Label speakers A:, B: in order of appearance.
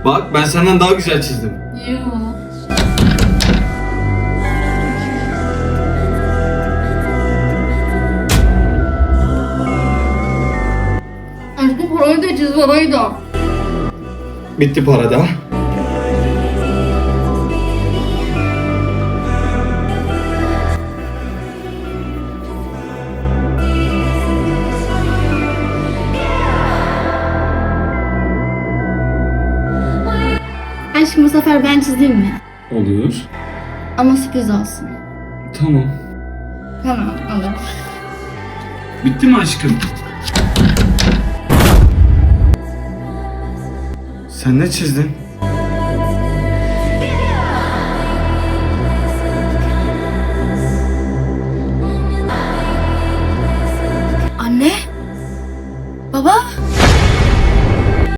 A: Bak ben senden daha güzel çizdim.
B: Yoo. Aşkım parayı da çiz, parayı da.
A: Bitti para da.
B: Aşkım bu sefer ben çizeyim mi?
A: Olur.
B: Ama sürpriz olsun.
A: Tamam.
B: Tamam, olur.
A: Bitti mi aşkım? Sen ne çizdin?